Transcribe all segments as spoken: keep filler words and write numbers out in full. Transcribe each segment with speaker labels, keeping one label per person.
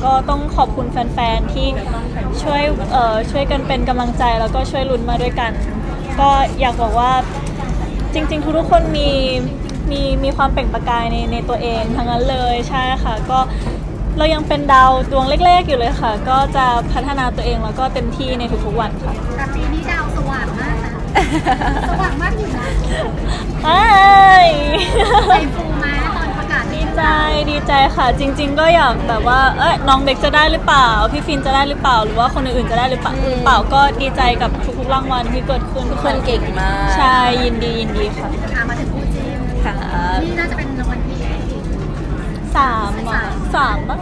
Speaker 1: ก็ต้องขอบคุณแฟนๆที่ช่วยเอ่อช่วยกันเป็นกำลังใจแล้วก็ช่วยลุ้นมาด้วยกัน ก็อยากบอกว่าจริงๆทุกๆคนมีมีมีความเปล่งประกายในในตัวเองทั้งนั้นเลยใช่ค่ะก็เรายังเป็นดาวดวงเล็กๆอยู่เลยค่ะ ก็จะพัฒนาตัวเองแล้วก็เต็มที่ในทุกๆวันค่ะ
Speaker 2: แต่ปีนี้ดาวสว่างมากนะสว่างมากอยู่นะ
Speaker 1: ไอ้
Speaker 2: ใจฟูมาตอนประกาศ
Speaker 1: ดีใจดีใจค่ะ จริง ๆ ก็อยากแบบว่าเอ้ยน้องเบคจะได้หรือเปล่าพี่ฟินจะได้หรือเปล่าหรือว่าคนอื่นๆจะได้หรือเปล่าหรือเปล่าก็ดีใจกับทุกๆรางวัลที่เกิดขึ้นทุก
Speaker 3: ค
Speaker 1: คน น
Speaker 3: เก่งมาก
Speaker 1: ใช่ยินดียินดีค่ะ
Speaker 2: อ่ะมาถึงคู่จิ้น
Speaker 3: ค่ะ
Speaker 2: นี่น่าจะเป็นรางวัลที่
Speaker 1: สามอ่ะสามปะ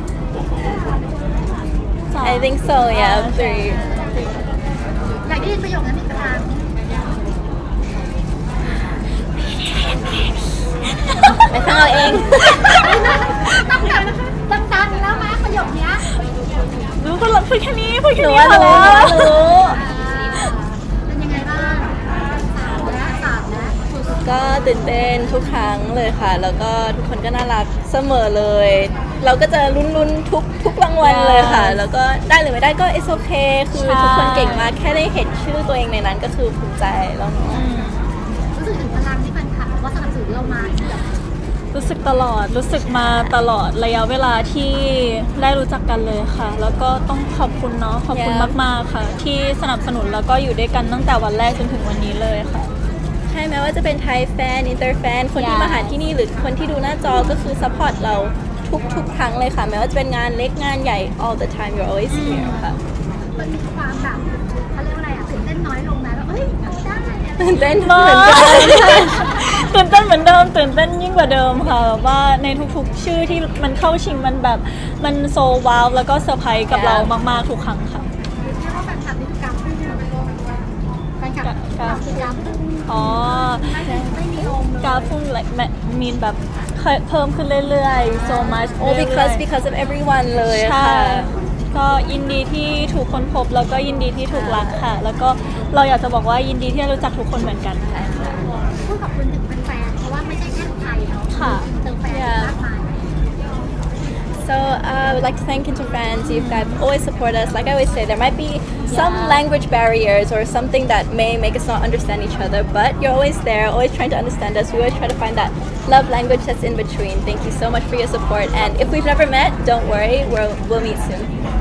Speaker 1: สาม
Speaker 3: I think so yeah three
Speaker 2: อยากได้ยินประโยคนั้นอีกครั้ง
Speaker 3: ไปฟังเอาเอง
Speaker 2: ต้องแบบดังๆแล้วมั้ยประโยคเนี้ย
Speaker 1: รู้พูดพูดแค่นี้พูด
Speaker 3: ห
Speaker 1: แค่
Speaker 3: นู
Speaker 1: นี้
Speaker 3: ว่า
Speaker 1: พอ
Speaker 3: รู้
Speaker 1: แล้
Speaker 3: หนูว่าว รู้
Speaker 2: อ่าเป็นยังไงบ้างสามแล้วสามแล้ว
Speaker 3: ก็ตื่นเต้นทุกครั้งเลยค่ะ แล้วก็ทุกคนก็น่ารักเสมอเลย เราก็จะลุ้นๆทุกทุกรางวัลเลยค่ะ แล้วก็ได้หรือไม่ได้ก็ it's okay คือทุกคนเก่งมากแค่ได้เห็นชื่อตัวเองในนั้นก็คือภูมิใจแล้วเนาะ
Speaker 2: รู้สึกถึงพลังที่แฟนคลับว่าสนับสนุนเรามาแบบ
Speaker 1: รู้สึกตลอดรู้สึกมาตลอดระยะเวลาที่ได้รู้จักกันเลยค่ะ แล้วก็ต้องขอบคุณเนาะขอบคุณ
Speaker 3: Yeah.
Speaker 1: มากๆค่ะ ที่สนับสนุนแล้วก็อยู่ด้วยกันตั้งแต่วันแรกจนถึงวันนี้เลยค่ะ
Speaker 3: ใช่ไหมว่าจะเป็นไทยแฟน อินเตอร์แฟน คนที่
Speaker 1: Yeah.
Speaker 3: มาหาที่นี่หรือคนที่ดูหน้าจอก็คือซัพพอร์ตเราทุกทุกครั้งเลยค่ะ แม้ว่าจะเป็นงานเล็กงานใหญ่ all the time you're always here ค่ะ
Speaker 2: มันมีความแบบเขาเรียกว่าอะไรอ่ะตื่นเต้นน้อยลงนะแล้วเอ้ยเอาได้อะไรอย่างเงี้ย
Speaker 3: ตื่นเต้น
Speaker 1: มา
Speaker 3: เหมือนกัน
Speaker 1: ตื่นเต้นเหมือนเดิมตื่นเต้นยิ่งกว่าเดิมค่ะแบบว่าในทุกๆ ชื่อที่มันเข้าชิงมันแบบมันโซว้าวแล้วก็เซอร์ไพรส์กับเรามากๆทุกครั้งค่ะ
Speaker 2: เรียกว่าแฟนคลับนี่คือกราฟพุ่งแฟนคลับ
Speaker 1: กราฟ
Speaker 2: คือกราฟพุ่ง
Speaker 1: อ๋อ
Speaker 2: ไม่ไม่มีลมเลย
Speaker 1: กราฟพุ่งมีนแบบเพิ่มขึ้นเรื่อยๆ so much
Speaker 3: oh
Speaker 1: เรื่อยๆ
Speaker 3: because because of everyone เลย
Speaker 1: ใช่
Speaker 3: ค่ะ
Speaker 1: ก็ยินดีที่ถูกค้นพบแล้วก็ยินดีที่ถูกรักค่ะ แล้วก็เราอยากจะบอกว่ายินดีที่ได้รู้จักทุกคนเหมือนกันค่ะ
Speaker 2: พูดขอบคุณถึงแฟนๆเพราะว่าไม่ใช่แค่ไทยเนาะ
Speaker 1: ค่ะ
Speaker 2: เติมแฟนมากมาย
Speaker 3: So uh, I would like to thank Inter fans. You guys always support us. Like I always say, there might be some
Speaker 1: Yeah.
Speaker 3: language barriers or something that may make us not understand each other, but you're always there, always trying to understand us. We always try to find that love language that's in between. Thank you so much for your support. And if we've never met, don't worry, we'll, we'll meet soon.